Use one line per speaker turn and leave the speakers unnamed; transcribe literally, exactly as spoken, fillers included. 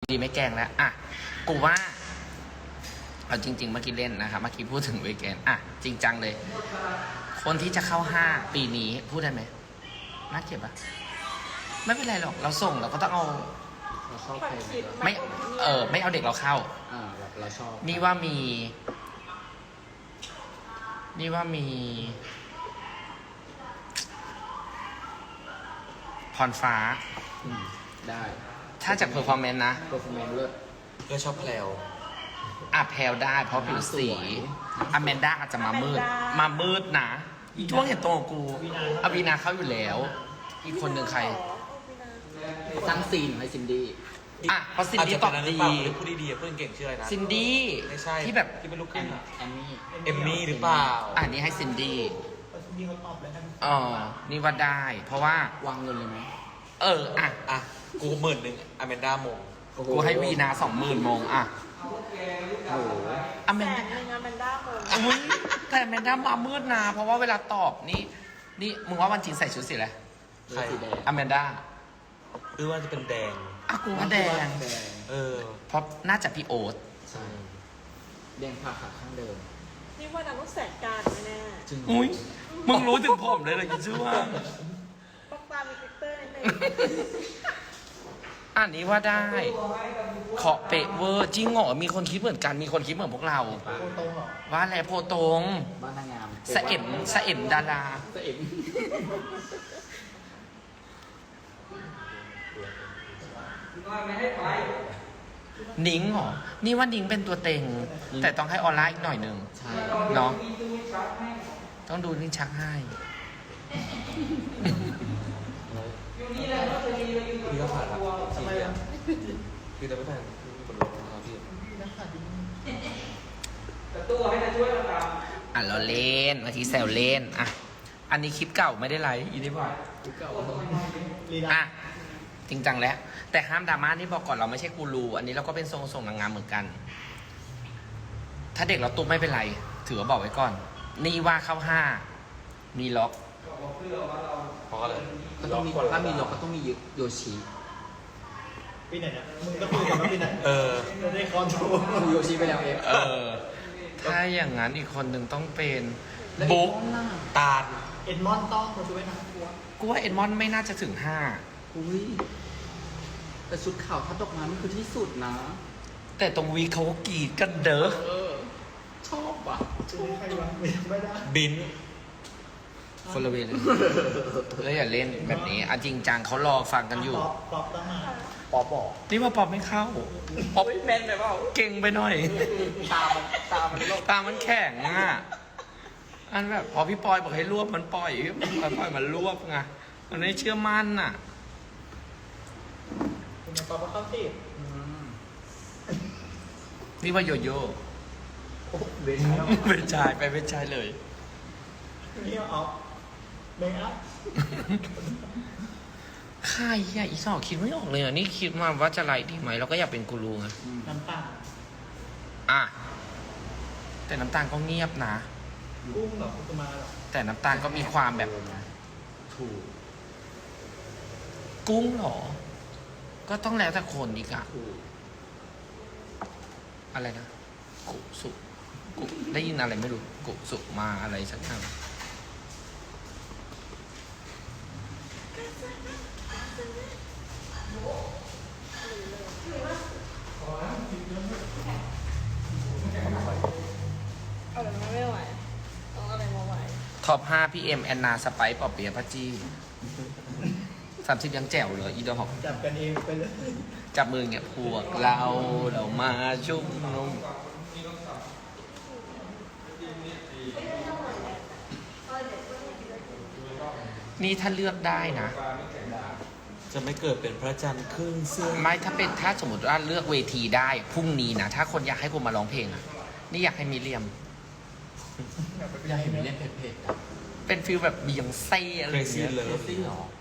ดีไม่แกล้งแล้วอ่ะกูว่าเอาจริงๆเมื่อกี้เล่นนะครับเมื่อกี้พูดถึงเวกแกนอ่ะจริงจังเลย คนที่จะเข้าห้าปีนี้พูดได้ไหมน่าเกลียดปะไม่เป็นไรหรอกเราส่งเราก็ต้องเอา
เราชอบใครไหมล่ะ
ไม่เออไม่เอาเด็กเราเข้า
อ่าแบบเราชอบ
นี่ว่ามี นี่ว่ามีพรฟ้า
อืมได้
ถ้าจากเพอร์ฟอร์แมนซ์นะ
เปอร์ฟอร์แมนซ์เลิศ
ก็ชอบแพลว
อ่ะแพลวได้เพราะผิวสี
สวย
อแมนด้าอาจจะมามืด มามืดนะอีช่วงเห็นตัวกูอวีนาเข้าอยู่แล้ว อีกคนหนึ่งใคร
สร้างซีนให้ซินดี้
อ่ะเพราะซินดี้ตอบดี
พูดดีๆพูดเก่งชื่ออะไรนะ
ซินดี้
ไม่ใช่
ที่แบบ
ที่เป็นลูกค
แอ
รึ่ง
ม
อะ
แอมมี่
เอมมี่หรือเปล่า
อ่ะนี่ให้ซินดี้อ๋อนี่ว่าได้ เพราะว่า
วางเงินเลยไหม
เอออ่ะ
อ่ะ กูหมื่นหนึ่งอแมนด้ามง
โอ้โ
กูให้วีนาสองหมื่นโมงอ่ะ
โอ้โห
อแม
แส
น
นหนึ่งอะแมนด้าโมง
อุ้ยแต่แมนด้ามามืดนะเพราะว่าเวลาตอบนี่ นี่มึงว่าวันจริงใส่ชุดสีอะไร
เลือดสีแดง
อแมนด้า
หรือว่าจะเป็นแดง
อ่ะกูว่าแดง
แดง
เออ
เพราะน่าจะพี่โอ๊ต
ใช่แดงผ่าขาข้างเดิม
นี่ว่านังต้องแสนการแน่
จริง
อุ้ยมึงรู้ถึงผมเลยเหรอคิดชื่อว่า
ๆต้องตามมีฟิลเตอร์นิดนึง
อันนี้ว่าได้ขอเปะเวอร์จริงเหรอมีคนคิดเหมือนกัน มีคนคิดเหมือนพวกเรา ว่าแหละโพตรง
บ้านนางงาม
สะเอ็มสะเอ็มดารา
สะเอ็ม
นิ้งเหรอ นี่ว่านิ้งเป็นตัวเต็ง แต่ต้องให้ออนไลน์อีกหน่อยหนึ่ง
ใช่
เนาะต้องดูนิ้งชักให้
พี่ก็ผ่านละทำไมอ่ะพี่จะไม่ผ่านพี่มีบทลงนะครับพี่
อ่ะเราเล่นบางทีแซวเล่นอ่ะอันนี้คลิปเก่าไม่ได้ไลฟ์อีนี่บอก
กูเก่า
อ่ะจริงจังแล้ว แต่ห้ามดราม่านี่บอกก่อนเราไม่ใช่กูรูอันนี้เราก็เป็นทรงส่งนางงามเหมือนกัน ถ้าเด็กเราตุ้มไม่เป็นไร ถือว่าบอกไว้ก่อน นี่ว่าเข้าห้ามีล็อก
เพราะอะไร
ก็ต้องมีถ้ามีล็อกก็ต้องมีโยชิ
ปีไหนเนี่ยมึงก็คุยกันว่าปีไหน
เออ
จะได้คอนโทรล
ดูโยชิไปแล้วเอฟ
เออ ถ้าอย่างนั้นอีกคนหนึ่งต้องเป็น
แล้ว
บุ๊ก
อีกคนล่ะ
ตาล
เอ็ดมอนต้องมาช่วยนะกลัว
กูว่าเอ็ดมอนไม่น่าจะถึงห้า
อุ้ยแต่ชุดขาวทัดดอกไม้มันคือที่สุดนะ
แต่ตรงวีเขาก็กรีดกันเด้อ
เออ ชอบอ่ะ
จะได้ใครวะไม่ได้
บิน
คนละเวเลยแล้วอย่าเล่นแบบนี้อ่ะจริงจังเขารอฟังกันอยู่
ป๊อปป๊อปต้องมา
ปอบอก
นี่ว่าปอบไม่เข้าปอบ
แมนไปเปล่า
เก่งไปหน่อย
ตามันตามันโลก
ตามันแข็งอ่ะ อันแบบพอพี่ปอยบอกให้รวบมันปล่อยพี่ปอยปล่อยมันรวบไง มันไม่เชื่อมั่นอ่ะ
คุณป๊อปก็เข้าสิบ
อืม
นี่ว่าโยโย่
โอ้เบนแล้ว
เป็นชายไปเป็นชายเลย
นี่เอาเมคอัพ
ใครอ่ะอีสอกคิดไม่ออกเลยอ่ะ นี่คิดมาว่าจะไลฟ์ดีไหมเราก็อยากเป็นกูรูไง
น้ำตาล
อ่ะ แต่น้ำตาลก็เงียบนะ
กุ้งเหรอคุตมาเหรอ
แต่น้ำตาลก็มีความแบบ
ถูก
กุ้งเหรอ ก็ต้องแล้วแต่คนอีกอะ
ถูก
อะไรนะ กุสุกุได้ยินอะไรไม่รู้ กุสุมาอะไรสักอย่าง
เอาแบบนั้นไม่ไหวต้องเอาอะไรมาไหว
ท็อปห้าพี่เอ็มแอนนาสไปซ์ปอเปียะพัจจีสามสิบยังแจ๋วเลยอีดอก
จับกันเองไปเลย
จับมือเงี้ยพวกเราเรามาชุ่มนุมนี่ถ้าเลือกได้นะ
จะไม่เกิดเป็นพระจันทร์ครึ่งเสื้อ
ไม่ถ้าเป็นถ้าสมมติว่าเลือกเวทีได้พรุ่งนี้นะ ถ้าคนอยากให้กูมาร้องเพลงอะนี่อยากให้มีเลียม
อยากเห็นมันเล่นเผ็ดๆอ่ะ
เป็นฟิลแบบบียองเซ่อะไร
เคร
อย่าง
ซี่
เงี้ย
เลิฟ
จริงเหรอ